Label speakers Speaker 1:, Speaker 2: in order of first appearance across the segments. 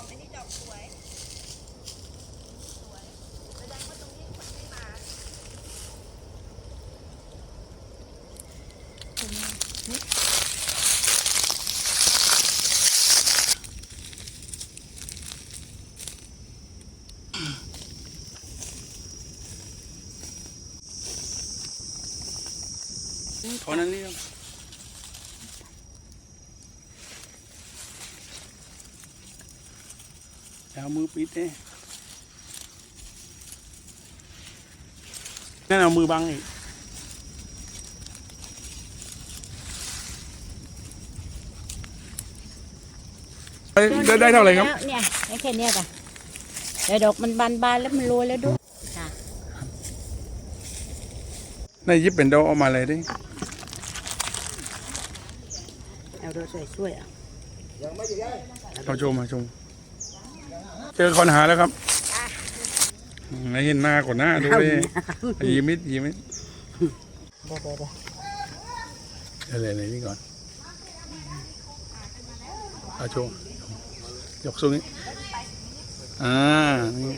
Speaker 1: อันนี้ดอกสวยสวยแสดงว่าตรงนี้คนไม่มา
Speaker 2: ขอนั้นนี่เอามือปิดเนี่ยนั่นเอามือบังอีกได้เท่าไหร่ครับ
Speaker 1: เนี่ยแค่นี้จ้ะเดี๋ยวดอกมันบานๆแล้วมันโรยแล้วด้วยค่ะ
Speaker 2: ได้ยิบเป็นดอกออกมาเลยดิ
Speaker 1: เอาดูสวยๆอ่ะ
Speaker 2: เอาชมมาชมเจอคนหาแล้วครับไม่เห็นหน้าก่อนหน้าดูเลยยิ้มยิ้มอะไรนี่ก่อนเอาโชว์ยกสูงนี้นี่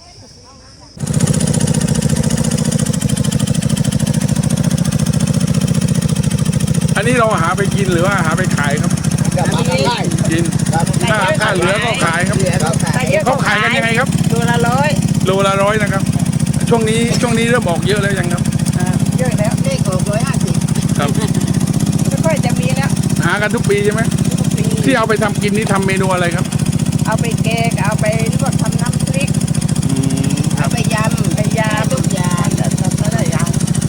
Speaker 2: อันนี้เราหาไปกินหรือว่าหาไปขายครับกินถ้าเหลือก็ขายครับเขาขายกันยังไงครับ
Speaker 1: โลละ100
Speaker 2: โลละ100นะครับช่วงนี้เริ่มออกเยอะแล้วยังครับ
Speaker 1: เยอะแล้วเลขออก150
Speaker 2: ครับ
Speaker 1: ไม่ค่อยจะมีแล้ว
Speaker 2: หากันทุกปีใช่ไหมที่เอาไปทำกินนี่ทำเมนูอะไรครับ
Speaker 1: เอาไปแกงเอาไปลวกทำน้ำพริกเอาไปยำทุกอย่างแต่ไม่ได้ยำ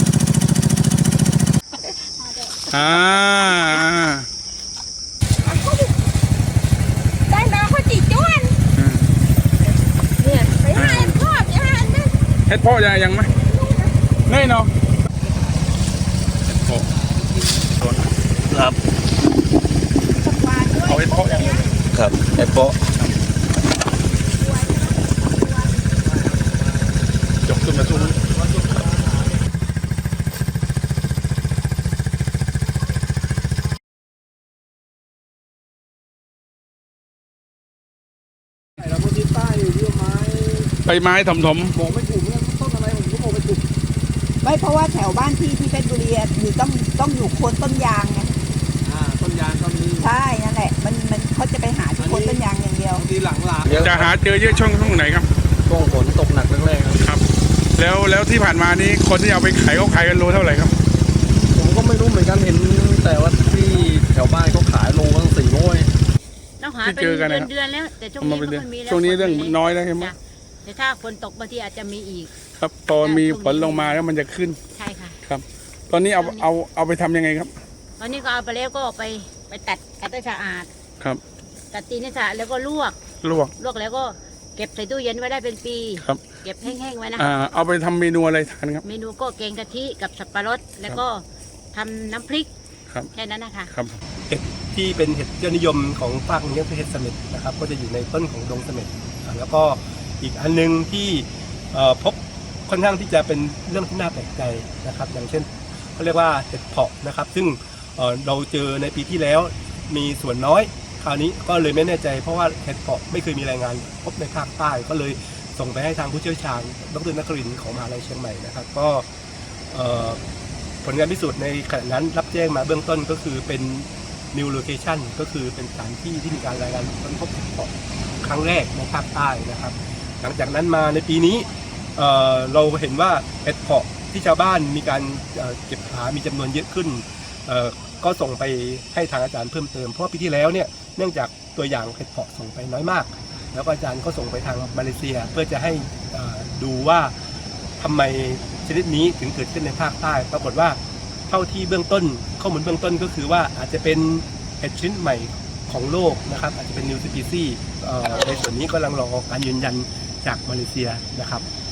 Speaker 1: ได้มาเขาจีจ้วนเนี่ยไปหาเห็ดพ่อจะหา
Speaker 2: เห็ดพ่อยังไหมเน่เนาะครับเอาเห็ดพ่อยัง
Speaker 3: ครับเห็ดเพาะ
Speaker 2: ยกขึ้นมาสู้ไปไม้ถม
Speaker 3: บอกไม่ถูกเรื่องต้นอะไรผมก็บอกไม่ถูก
Speaker 1: ไม่เพราะว่าแถวบ้านที่เพชรบุรีอยู่ต้องอยู่โคนต้นยางไง
Speaker 3: ต้นยางก็มี
Speaker 1: ใช่นั่นแหละมันเขาจะไปหาที่โคนต้นยางอย่างเดียว
Speaker 3: ทีหลัง
Speaker 2: จะหาเจอเยอะช่วงไหนครับ
Speaker 3: ช่วงฝนตกหนักแรกๆ
Speaker 2: ครับแล้วที่ผ่านมานี้คนที่เอาไปขายเขาขายกันโลเท่าไหร่ครับ
Speaker 3: ผมก็ไม่รู้เหมือนกันเห็นแต่ว่าที่แถวบ้านเขาขายโลตั้ง400
Speaker 1: ต้องหาเป็นเดือนแล้วแต่ช่วงนี้ไม่มีแล้ว
Speaker 2: ช่วงนี้เรื่องน้อยแล้วใช่ไหม
Speaker 1: แต่ถ้าฝนตกบางทีอาจจะมีอีก
Speaker 2: ครับตอนมีฝนลงมาแล้วมันจะขึ้น
Speaker 1: ใช่ค่ะ
Speaker 2: ครับตอนนี้เอาไปทำยังไงครับ
Speaker 1: ตอนนี้ก็เอาไปแล้วก็ไปตัดให้สะอาด
Speaker 2: ครับ
Speaker 1: ตัดตีนให้สะอาดแล้วก็ลวกแล้วก็เก็บใส่ตู้เย็นไว้ได้เป็นปี
Speaker 2: ครับ
Speaker 1: เก็บแห้งๆไว้นะ
Speaker 2: เอาไปทำเมนูอะไรทานครับ
Speaker 1: เมนูก็แกงกะทิกับสับปะรดแล้วก็ทำน้ำพริกแค่นั้นนะคะ
Speaker 2: ครับ
Speaker 3: เห็ดที่เป็นเห็ดยอดนิยมของภาคนี้คือเห็ดเสม็ดนะครับก็จะอยู่ในต้นของดงเสม็ดแล้วก็อีกอันนึงที่พบค่อนข้างที่จะเป็นเรื่องที่น่าแปลกใจนะครับอย่างเช่นเขาเรียกว่าเห็ดเผาะนะครับซึ่งเราเจอในปีที่แล้วมีส่วนน้อยคราวนี้ก็เลยไม่แน่ใจเพราะว่าเห็ดเผาะไม่เคยมีรายงานพบในภาคใต้ก็เลยส่งไปให้ทางผู้เชี่ยวชาญดร.นครินทร์ของมหาวิทยาลัยเชียงใหม่นะครับก็ผลงานพิสูจน์ในขณะนั้นรับแจ้งมาเบื้องต้นก็คือเป็น new location ก็คือเป็นสถานที่ที่มีการรายงานค้นพบเห็ดเผาะครั้งแรกในภาคใต้นะครับหลังจากนั้นมาในปีนี้เราเห็นว่าเห็ดเผาะที่ชาวบ้านมีการเก็บหามีจำนวนเยอะขึ้นก็ส่งไปให้ทางอาจารย์เพิ่มเติมเพราะปีที่แล้วเนี่ยเนื่องจากตัวอย่างเห็ดเผาะส่งไปน้อยมากแล้วอาจารย์ก็ส่งไปทางมาเลเซียเพื่อจะให้ดูว่าทำไมชนิดนี้ถึงเกิดขึ้นในภาคใต้ปรากฏว่าเท่าที่เบื้องต้นข้อมูลเบื้องต้นก็คือว่าอาจจะเป็นเห็ดชนิดใหม่ของโลกนะครับอาจจะเป็น new species ในส่วนนี้ก็กำลังรอการยืนยันจากมาเลเซียนะครับ